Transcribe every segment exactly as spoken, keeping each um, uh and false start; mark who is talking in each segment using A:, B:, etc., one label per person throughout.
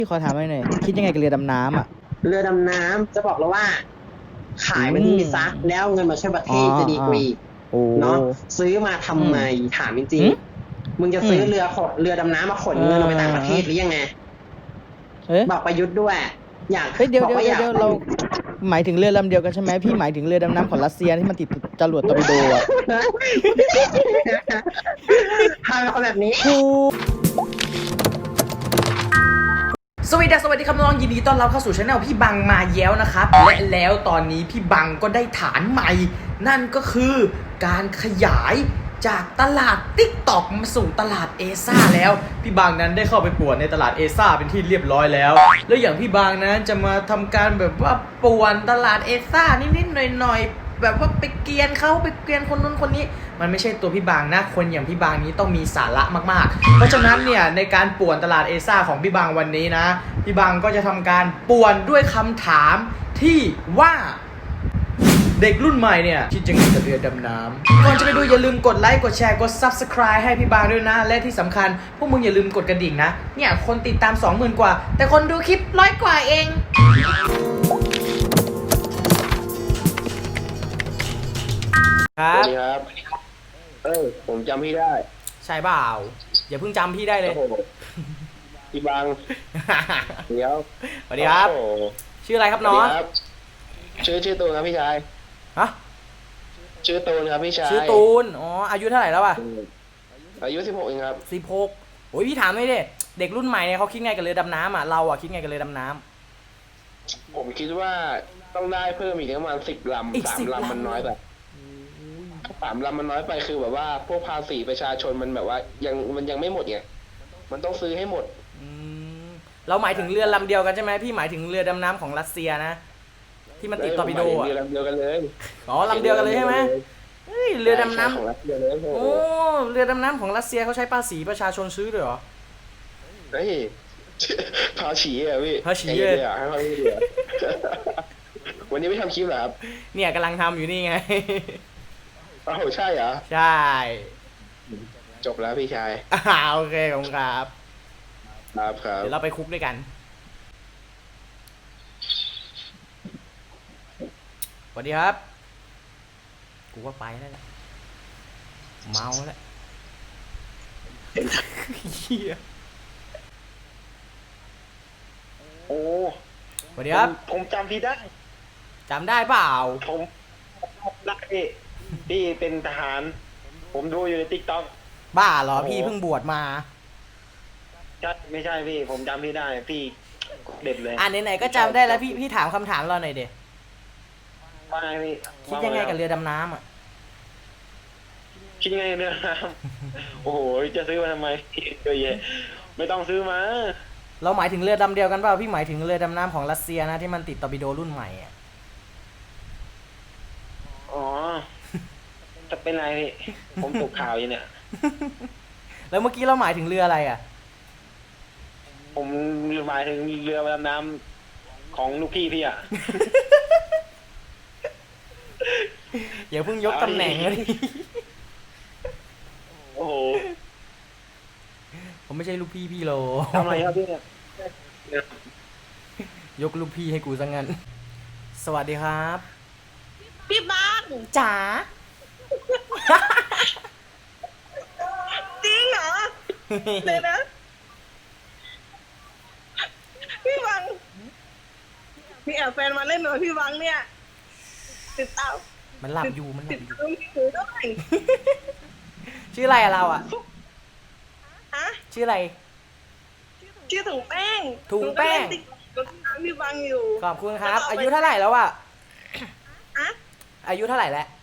A: พี่ขอถามหน่อยคิดยังไงกับเรือดำน้ำอ่ะ
B: เรือดำน้ำจะบอกแล้วว่า ขายมันที่ซักแล้วเงินมาช่วยประเทศจะดีกว่าเนาะซื้อมาทำไมถามจริงๆมึงจะซื้อเรือขนเรือดำน้ำมาขนเงินเอาไปต่างประเทศหรือยังไงบอกประยุทธ์ด้วยอยาก
A: เดี๋ยวเดี๋ยวเดี๋ยวเราหมายถึงเรือลำเดียวกันใช่ไหมพี่หมายถึงเรือดำน้ำของรัสเซียที่มันติดจรวดตอร์ปิโดอ่ะ
B: ทำเป็นคนแบบนี้
C: สวัสดีสวัสดีครับน้องยินดีต้อนรับเข้าสู่ช่องพี่บังมาแย้วนะครับและแล้วตอนนี้พี่บังก็ได้ฐานใหม่นั่นก็คือการขยายจากตลาด ติ๊กต็อก มาสู่ตลาดเอซ่าแล้วพี่บังนั้นได้เข้าไปป่วนในตลาดเอซ่าเป็นที่เรียบร้อยแล้วแล้วอย่างพี่บังนั้นจะมาทำการแบบว่าป่วนตลาดเอซ่านิดๆหน่อยๆแบบว่าไปเกลียนเขาไปเกลียนคนนู้นคนนี้มันไม่ใช่ตัวพี่บางนะคนอย่างพี่บางนี้ต้องมีสาระมากๆเพราะฉะนั้นเนี่ยในการป่วนตลาดเอซ่าของพี่บางวันนี้นะพี่บางก็จะทำการป่วนด้วยคำถามที่ว่าเด็กรุ่นใหม่เนี่ยคิดยังไงกับเรือดำน้ำก่อนจะไปดูอย่าลืมกดไลค์กดแชร์กด ซับสไครบ์ ให้พี่บางด้วยนะและที่สำคัญพวกมึงอย่าลืมกดกระดิ่งนะเนี่ยคนติดตาม สองหมื่น กว่าแต่คนดูคลิปร้อยกว่าเอง
D: ครับสวัสดีครับเออผมจำพี่ได้
C: ใช่เปล่าอย่าเพิ่งจำพี่ได้เลย
D: พี่บังเดี๋ยว
C: สวัสดีครับชื่ออะไรครับน้อง
D: ชื่อชื่อตูนครับพี่ชาย
C: ฮะ
D: ชื่อตูนครับพี่ชาย
C: ชื่อตูนอ๋ออายุเท่าไหร่แล้วอ่ะ
D: อายุสิบหกเองครับ
C: สิบหกโอ้ยพี่ถามเลยดิเด็กรุ่นใหม่เนี่ยเขาคิดไงกับเรือดำน้ำอ่ะเราอ่ะคิดไงกับเรือดำน้
D: ำผมคิดว่าต้องได้เพิ่มอีกประมาณสิบลำสามลำมันน้อยไปสามลำมันน้อยไปคือแบบว่าพวกภาษีประชาชนมันแบบว่ายังมันยังไม่หมดไงมันต้องซื้อให้หมด
C: เราหมายถึงเรือลำเดียวกันใช่ไหมพี่หมายถึงเรือดำน้ำของรัสเซียนะที่มันติดตอร์ปิโดอ่ะ
D: เรือลำเดียวกันเลย
C: อ๋อลำเดียวกันเลยใช่ไหมเฮ้ยเรือดำน้ำของรัสเซียเลยโอ้เรือดำน้ำของรัสเซียเขาใช้ภาษีประชาชนซื้อด้วยเหรอ
D: เฮ้ยภาษีอ่ะพี่
C: ภาษีอ่ะให้เขาดูดิ
D: วันนี้ไม่ทำคลิปเหรอครับ
C: เนี่ยกำลังทำอยู่นี่ไง
D: อ้าวใช่เหรอ
C: ใช่
D: จบแล้วพี่ชาย
C: อ่าโอเคขอบคุณครับ
D: ครับครับ
C: เดี๋ยวเราไปคุกด้วยกันสวัสดีครับกูว่าไปแล้วเมาแล้วเฮีย
D: โอ้
C: สวัสดีครับ
D: ผมจำพี่ได้
C: จำได้เปล่า
D: ผมรักพี่พี่เป็นทหารผมดูอยู่ในติ๊กต็อก
C: บ้าเหรอพี่เพิ่งบวชมา
D: ใช่ไม่ใช่พี่ผมจำพี่ได้พี่เด็ดเลย
C: อ่าไหนๆก็จำได้แล้วพี่พี่ถามคำถามเราหน่อยเด็
D: ว่าไงพี่
C: คิดยังไงกับเรือดำน้ำอ่ะ
D: คิดยังไงเรือดำน้ำโอ้โหจะซื้อมาทำไมเยอะแยะไม่ต้องซื้อมา
C: เราหมายถึงเรือดำเดียวกันเปล่าพี่หมายถึงเรือดำน้ำของรัสเซียนะที่มันติดตอร์ปิโดรุ่นใหม่อ่ะ
D: อ๋อจะเป็นไรพี่ผมตกข่าวอยู่เนี่ย
C: แล้วเมื่อกี้เราหมายถึงเรืออะไรอ่ะ
D: ผมหมายถึงเรือดำน้ำของลูกพี่พี่อ่ะ
C: อย่าเพิ่งยกตำแหน่งเลย
D: โอ้โห
C: ผมไม่ใช่ลูกพี่พี่โล
D: ทำอะไรครับพี่เนี่ย
C: ยกลูกพี่ให้กูซะงั้นสวัสดีครับ
E: พี่บัง
C: จ๋า
E: จริงเหรอเดี๋ยวนะพี่บังมีแอบแฟนมาเล่นหน่อยพี่บังเนี่ยติดตาม
C: มันหลับอยู่มันหลับอยู่
E: ถือด้วย
C: ชื่ออะไรอะเราอะ
E: ฮะ
C: ชื่ออะไร
E: ชื่อถุงแป้ง
C: ถุงแป้ง
E: พี่บังอยู่
C: ขอบคุณครับอายุเท่าไหร่แล้วอะ
E: อะ
C: อายุเท่าไหร่แล้ว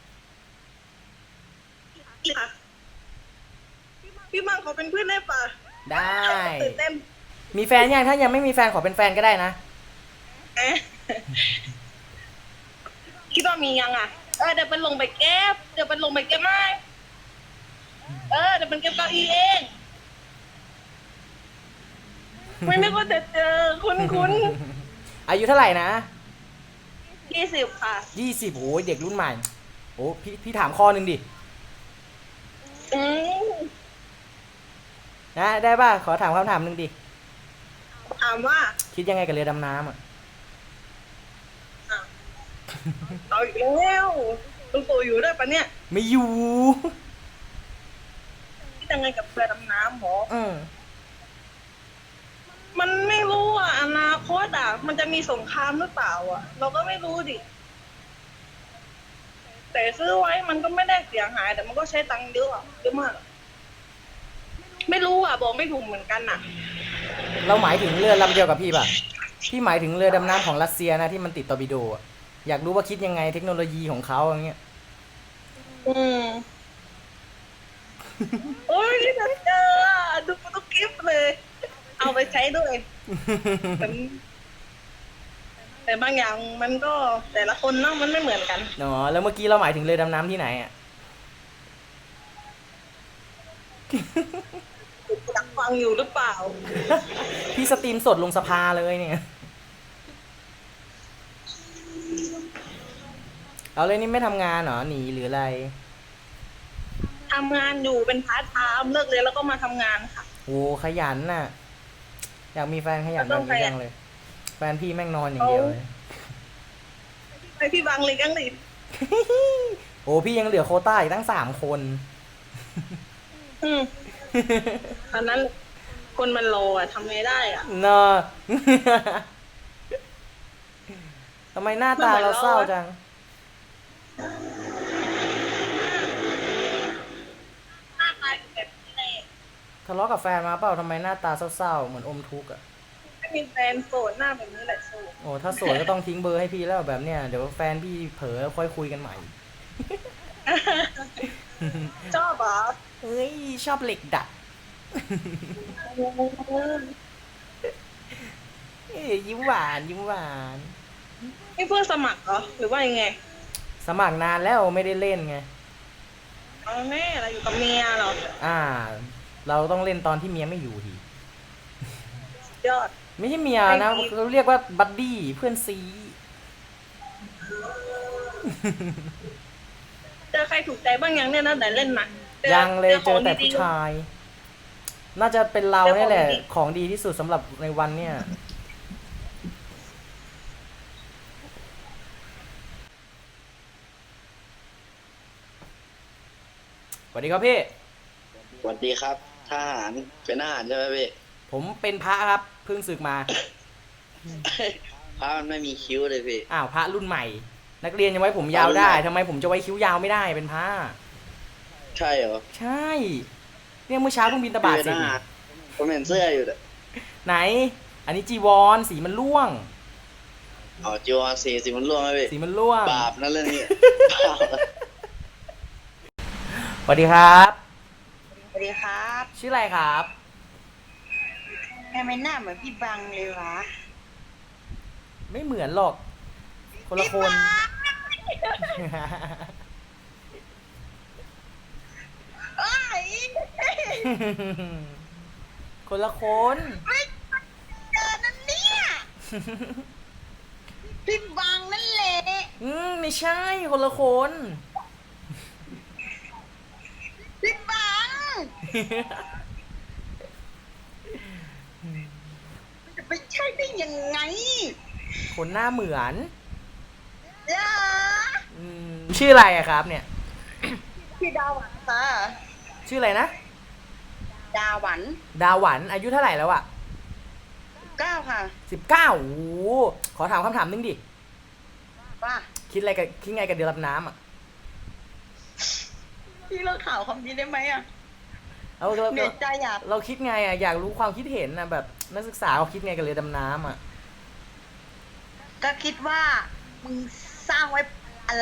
E: พี่บังขอเป็นเพื่อนได้ปะ
C: ได้มีแฟนยังถ้ายังไม่มีแฟนขอเป็นแฟนก็ได้นะ
E: คิดว่ามียังอ่ะเออเดี๋ยวเป็นลงไปเก็บเดี๋ยวเป็นลงไปเก็บไม่เออเดี๋ยวเป็นเก็บเก้าอี้เองไม่นึกว่าจะเจอคุณคุณ
C: อายุเท่าไหร่นะ
E: ยี่สิบค่ะ
C: ยี่สิบโอ้ยเด็กรุ่นใหม่โอ้พี่พี่ถามข้อหนึ่งดิ
E: อืม
C: นะได้ป่ะขอถามคำถามหนึ่งดิ
E: ถามว่า
C: คิดยังไงกับเรือดำน้ำอ่ะ
E: เอาอีกแล้วลุงตู่อยู่ด้วยปะเนี่ย
C: ไม่อยู่
E: คิดยังไงกับเรือดำน้ำหรอ
C: เออ
E: มันไม่รู้อ่ะอนาคตอ่ะมันจะมีสงครามหรือเปล่าอ่ะ เราก็ไม่รู้ดิแต่ซื้อไว้มันก็ไม่ได้เสียหายแต่มันก็ใช้ตังค์เยอะอะเยอะมากอะไม่รู้อ่ะบอกไม่ถูกเหมือนกันอ่ะ
C: เราหมายถึงเรือลำเดียวกับพี่ป่ะ พี่หมายถึงเรือดำน้ำของรัสเซียนะที่มันติดตอร์ปิโดอะอยากรู้ว่าคิดยังไงเทคโนโลยีของเขาอย่างเงี้ย
E: อืม โอ้ยนี่ฉันเจออ่ะดูทุกคลิปเลย เอาไปใช้ด้วยแต่แต่บางอย่างมันก็แต่ละคนเนาะมันไม่เหมือนกัน
C: เนาะแล้วเมื่อกี้เราหมายถึงเรือดำน้ำที่ไหนอ่ะ
E: อยากฟังอยู่หรือเปล่า
C: พี่สตรีมสดลงสภาเลยเนี่ย เอาเลยนี่ไม่ทำงานเหรอหนีหรืออะไร
E: ทำงานอยู่เป็นพาร์ทไทม์เลิกเรียนแล้วก็มาทำงานค่ะ
C: โอ้ขยันน่ะ อยากมีแฟนขยันแบบนี้จังเลย แฟนพี่แม่งนอนอย่างเดียวเลย
E: ไปพี่บังเลยกันเลย
C: โอ้พี่ยังเหลือโควต้าอีกตั้งสามคน
E: อืมอันนั้นคนมันรออ่ะทำไงได้อ่ะ
C: เนาะ ทำไมหน้าตาเราเศร้าจัง
E: หน้าตาแบบนี้เลย
C: ทะเลาะกับแฟนมาเปล่าทำไมหน้าตาเศร้าๆเหมือนอมทุกข์อ่ะ
E: ไม่มีแฟนโสดหน้าแบบนี้แหละโสด
C: โอ้ถ้าโสดก็ต้องทิ้งเบอร์ให้พี่แล้วแบบเนี้ยเดี๋ยวแฟนพี่เผลอค่อยคุยกันใหม่
E: ชอบเหรอ
C: เฮ้ยชอบเหล็กดัด เอ้ยยิ้มหวานยิ้มหวาน
E: นี่เพื่อสมัครเหรอหรือว่ายังไง
C: สมัครนานแล้วไม่ได้เล่นไง
E: เอาแม่เราอยู่กับเมียเหรอ
C: อ่า เราต้องเล่นตอนที่เมียไม่อยู่ที
E: ยอด
C: ไม่ใช่เมียนะ
E: ไม่มี
C: เขาเรียกว่าบัดดี้เพื่อนซี
E: เจอใครถูกใจบ้างยังเนี่ยนะแต่เล่นมาจอ
C: ยังเลยเจอแต่
E: ขงดี
C: ผู้
E: ๆ
C: ชาย น่าจะเป็นเรา
E: เจอของ
C: เนี่ยแหละ
E: ดี
C: ของดีที่สุดสำหรับในวันเนี่ยสวัสดีครับพี่
F: สวัสดีครับทหารเป็นทหารใช่ไหมพี่
C: ผมเป็นพระครับเพิ่งศึกมา
F: พระมันไม่มีคิ้วเลยพี่
C: อ้าวพระรุ่นใหม่ นักเรียนยังไว้ผมยาวได้ทำไมผมจะไว้คิ้วยาวไม่ได้เป็นพระ
F: ใช่เหรอ
C: ใช่เนี่ยเมื่อเช้าเพิ่งบินตบาท
F: พี่
C: เสร็
F: เป็น
C: จ
F: ทหารผมเห็นเสื้ออยู่แต่
C: ไหน อันนี้จีวรสีมันร่วง
F: อ๋อจีวรสีสีมันร่วงไหมพี่
C: สีมันร่วง
F: บาปนั่นเรื่องนี้ บาป
C: สวัสดีครับ
G: สวัสดีครับ
C: ชื่ออะไรครับ
G: ทำไมหน้าเหมือนพี่บังเลยวะ
C: ไม่เหมือนหรอก คนละคน
G: เอ้ย
C: คนละคน
G: ไม่เจอนั่นเนี่ย พี่บังนั่นแหละ
C: อืมไม่ใช่คนละคน
G: พี่บังจะไปใช่ได้ยังไง
C: คนหน้าเหมือน
G: เหรอ
C: อืมชื่ออะไรอะครับ เนี่ย
G: พี่ดาหวันค่ะ
C: ชื่ออะไรนะ
G: ดาหวัน
C: ดาหวันอายุเท่าไหร่แล้วอะ
G: เก้าค่ะ
C: สิบเก้าโอ้โหขอถามคำถามนึงดิ
G: ว่า
C: คิดอะไรกับคิดไงกับเรือดำน้ำอะ
G: พี่เลิกข่าวคำนี้ได้ไหมอ่ะ
C: เราเรา
G: เหนื่อยใจอ่ะ
C: เราคิดไงอะอยากรู้ความคิดเห็นนะแบบนักศึกษาเขาคิดไงกับเรือดำน้ำอะ
G: ก็คิดว่ามึงสร้างไว้อะไร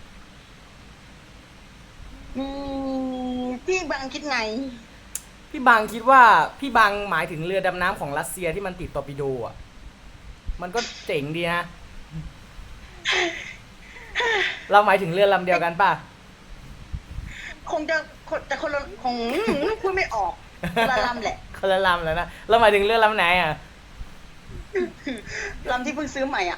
G: อืมพี่บังคิดไง
C: พี่บางคิดว่าพี่บางหมายถึงเรือดำน้ำของรัสเซียที่มันติดตอร์ปิโดอะมันก็เจ๋งดีนะ เราหมายถึงเรือลำเดียวกันป่ะ
G: คงจะคนแต่คนละคงพูดไม่ออกคนละลำแหละ
C: คนละลำแล้วนะเราหมายถึงเรือลำไหนอะ
G: ลำที่เพิ่งซื้อใหม่อ่ะ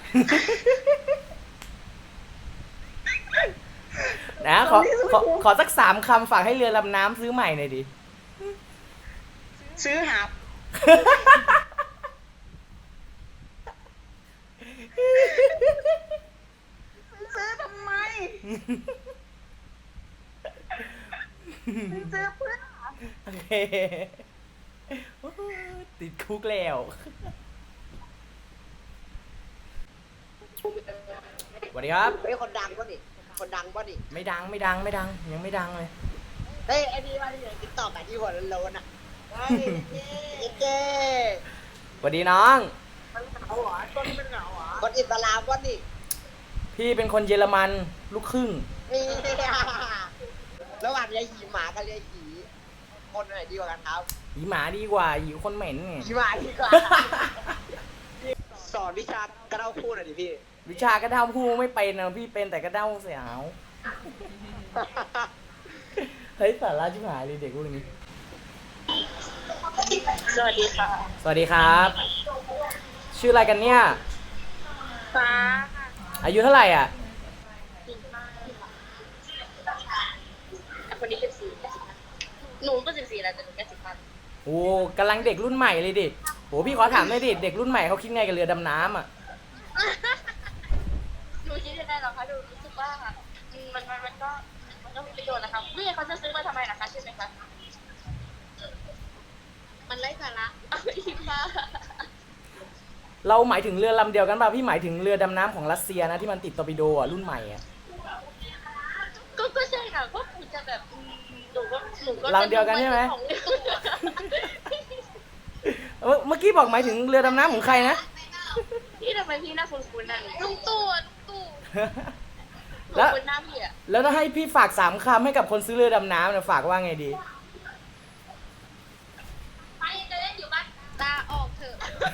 C: นะขอขอขอสักสามคำฝากให้เรือลำน้ำซื้อใหม่หน่อยดิ
G: ซื้อหาบซื้อเพื่อ
C: โอเคติดคุกแล้วสวัสดีครับ
H: เฮ้ยคนดังป่ะนี่คนดังป่ะนี่
C: ไม่ดังไม่ดังไม่ดังยังไม่ดังเลย
H: เฮ้ยไอ้นี่ว่าที่ติ๊กต็อกอ่ะที่หัวโลนๆอ่ะเฮ้ยเจ๊
C: สวัสดีน้อง
H: มันเหงาเหรอต้นเป็นเหงาเหรอคนอิสลามป่ะนี่
C: พี่เป็นคนเยอรมันลูกครึ่ง
H: นี่ระหว่างยายหีหมากับยายหีคนไหนดีกว่ากันครับ
C: หยีหมาดีกว่าหยีคนเหม็นไง
H: หีหมาดีกว่าสอนวิชากระเด้าพูดหน่อยดิพี่
C: วิชากระเด้าพูดไม่เป็นนะพี่เป็นแต่กระเด้าเสียวเฮ้ยสาระชิบหายเลยเด็กพวกนี้
E: สวัสดีค่ะ
C: สวัสดีครับ ชื่ออะไรกันเนี่ย
E: ฟ้า
C: อายุเท่าไหร่อ่ะ
E: คนนี้สิบสี่หนูก็สิบสี่แล้วแต่หนูแค่สิบห้า
C: โอ้กำลังเด็กรุ่นใหม่เลยดิโหพี่ขอถามหน่อยดิเด็กรุ่นใหม่เขาคิดไงกับเรือดำน้ำอ่ะ
E: หนูคิดยังไงหรอคะหนูรู้สึกว่าอืมมันมันมันก็มันก็มีประโยชน์นะคะนี่เขาจะซื้อมาทำไมนะคะใช่ไหมคะมันไร้สาระเอาไปทิ้งค่ะ
C: เราหมายถึงเรือลำเดียวกันป่ะพี่หมายถึงเรือดำน้ำของรัสเซียนะที่มันติดตอร์ปิโดอ่ะรุ่นใหม่อ่ะ
E: ก็ก็ใช่ค่ะก็คงจะแบบอืมหนูก็หนูก็
C: ลำเดียวกันใช่ไหม
E: ของ
C: เมื่อเมื่อกี้บอกหมายถึงเรือดำน้ำของใครนะ
E: พี่ทำไมพี่หน้าคุ้นๆนั่นลุงตู่อะลุงตู่
C: แล้ว
E: คุ้นหน้าพี่อะ
C: แล้วถ้าให้พี่ฝากสามคำให้กับคนซื้อเรือดำน้ำเนี่ยฝากว่าไงดี
E: ไปจะเล่นอยู่บ้านลาออกเถอะ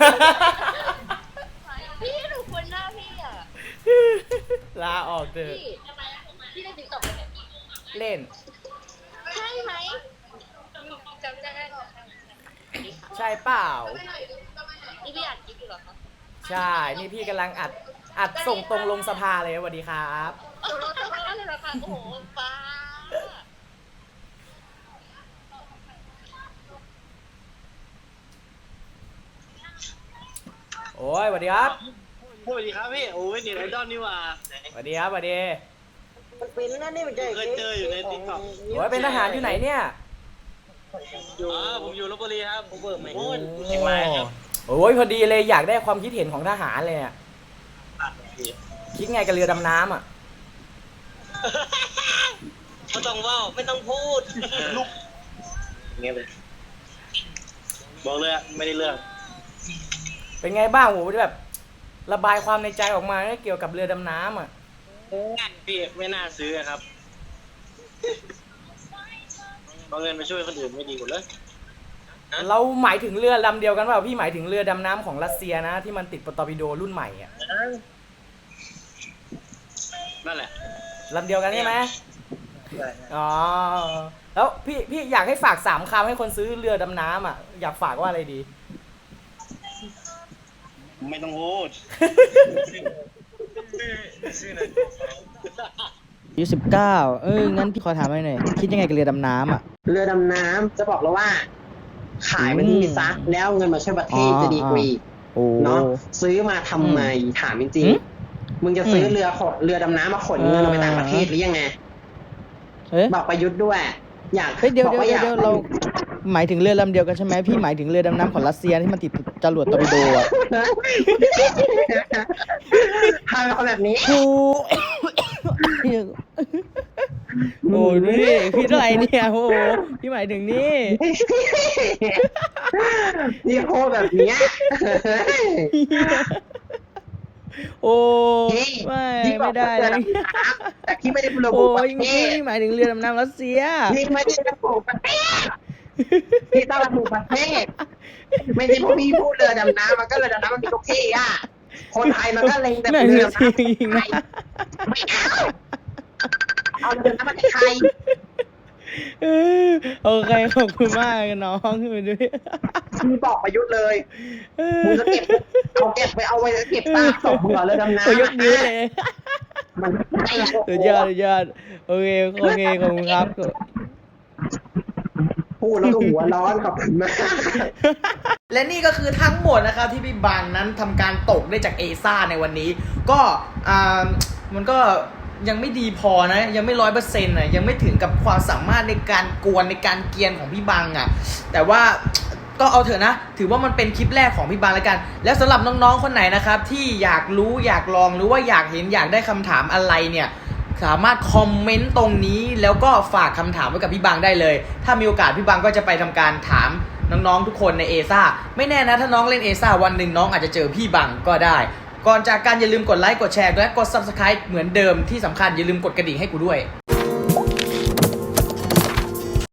E: พี่หนูคุ้นหน้าพี่อะ
C: ลาออกเถอะ
E: พี่พี่เล่นติ๊กต็อกไหม
C: เล่น
E: ใช่ไหมจำได้หรอ
C: ใช่เปล่า
E: นี่พี่อ่านคลิปอยู่เหรอคะ
C: ใช่ นี่พี่กำลังอัด อัดส่งตรงลงสภาเลยสวัสดีครับ
E: โอ้โหทำอะไรเหรอคะโอ้โหฟ้า
C: โอ้ยสวัสดีครับ
F: สวัสดีครับพี่โอ้ยนี่ไอดอลนี่หว่า
C: สวัสดีครับสวัสดี
H: มันเป็นนั่นนี่มันจะ
F: เคยเจออยู่ใน TikTok
C: โอ้ยเป็นทหารอยู่ไหนเนี่ย
F: อยู่อ๋อผมอยู่ลพบุรีครับผมเบิร์ไม่โอ้ย
C: โอ้
F: เชียงรายครับ
C: โอ้ยพอดีเลยอยากได้ความคิดเห็นของทหารเลยอ่ะคิดไงกับเรือดำน้ำอ่ะ
F: ไม่ต้องว่าไม่ต้องพูดลุกเงี้ยเลยบอกเลยอะไม่ได้เรื่อง
C: เป็นไงบ้างโหแบบระบายความในใจออกมาเกี่ยวกับเรือดำน้ำอ่ะ
F: พี่ไม่น่าซื้อครับเอาเงินไปช่วยคนอื่นไม่ดีกว่าเลย
C: เราหมายถึงเรือลำเดียวกันเปล่าพี่หมายถึงเรือดำน้ำของรัสเซียนะที่มันติดตอร์ปิโดรุ่นใหม่อ่ะ
F: นั่นแหละ
C: ลำเดียวกันใช่ไหมอ๋อแล้วพี่พี่อยากให้ฝากสามคำให้คนซื้อเรือดำน้ำอ่ะอยากฝากว่าอะไรดี
F: ไม่ต้องพูด
A: อายุสิบเก้าเอองั้นพี่ขอถามหน่อยคิดยังไงกับเรือดำน้ำอ่ะ
B: เรือดำน้ำจะบอกแล้วว่า ขายมันที่ซะแล้วเงินมาช่วยประเทศ
A: อ๋อ
B: จะดีกรี
A: โอ้
B: เนาะซื้อมาทำไมถามจริง
A: อืม
B: ๆมึงจะซื้อเรือขนเรือดำน้ำมาขนเงินเอาไปต่างประเทศหรือยังไง
A: เฮ้ย
B: บอกประยุทธ์ด้วย อยาก
A: เฮ้ยเดี๋ยว
B: บอก
A: เดี๋ยว
B: ว่าอ
A: เดี๋ย
B: ยาว ก
A: เราหมายถึงเรือลำเดียวกันใช่ไหมพี่หมายถึงเรือดำน้ำของรัสเซียที่มันติดจรวดตอร์ปิโดอ่ะ
B: ทำเอาแบบนี้
A: โอ้โหดูดิพี่อะไรเนี่ยโอ้โหพี่หมายถึงนี่
B: นี่โคแบบเนี้ย
A: โอ้
B: พี่
A: ไม่
B: พี่บอ
A: ไม่
B: ก
A: ได้
B: ว่า
A: เล
B: เรือย ดำน้ำแต่พี่ไม่ได้ระบุ
A: โอ้
B: ประ
A: ย
B: เทศ
A: พี่หมายถึงเรือดำน้ำรัสเซีย
B: พี่ไม่ได้ระบุประเทศพี่ต้องระบุประเทศ ไม่ใช่พวกพี่พูดเรือดำน้ำมันก็เรือดำน้ำมันมีทุกที่อ่ะ คนไทยมันก็เล็งแต่
A: แม่ง
B: เรือ
A: จ
B: ดำน้ำ
A: ริงๆนะ
B: ไม่เอาเอาเรือดำน้ำมาไทย
A: เออโอเคขอบคุณมากน้องดูดิ
B: พี่บอกประยุทธ์เลยมึงจะเก็บเอาเก็บไปเอาไว้เก็บตาตกหัวเรือดำน้ำ
A: โอ้ยกนิ้วเลย
B: มันไม่
A: สุดยอดสุดยอดโอเคโอเคขอบคุณครับ
B: พูดแล้วก็หัวร้อนขอบคุณมาก
C: และนี่ก็คือทั้งหมดนะครับที่พี่บังนั้นทำการตกได้จากเอซ่าในวันนี้ ก็อ่ามันก็ยังไม่ดีพอนะยังไม่ร้อยเปอร์เซ็นต์อ่ะยังไม่ถึงกับความสามารถในการกวนในการเกียนของพี่บังอ่ะแต่ว่าก็เอาเถอะนะถือว่ามันเป็นคลิปแรกของพี่บังแล้วกันแล้วสำหรับน้องๆคนไหนนะครับที่อยากรู้อยากลองหรือว่าอยากเห็นอยากได้คำถามอะไรเนี่ยสามารถคอมเมนต์ตรงนี้แล้วก็ฝากคำถามไว้กับพี่บังได้เลยถ้ามีโอกาสพี่บังก็จะไปทำการถามน้องๆทุกคนในเอซ่าไม่แน่นะถ้าน้องเล่นเอซ่าวันหนึ่งน้องอาจจะเจอพี่บังก็ได้ก่อนจากการอย่าลืมกดไลค์กดแชร์และกด ซับสไครบ์ เหมือนเดิมที่สำคัญอย่าลืมกดกระดิ่งให้กูด้วย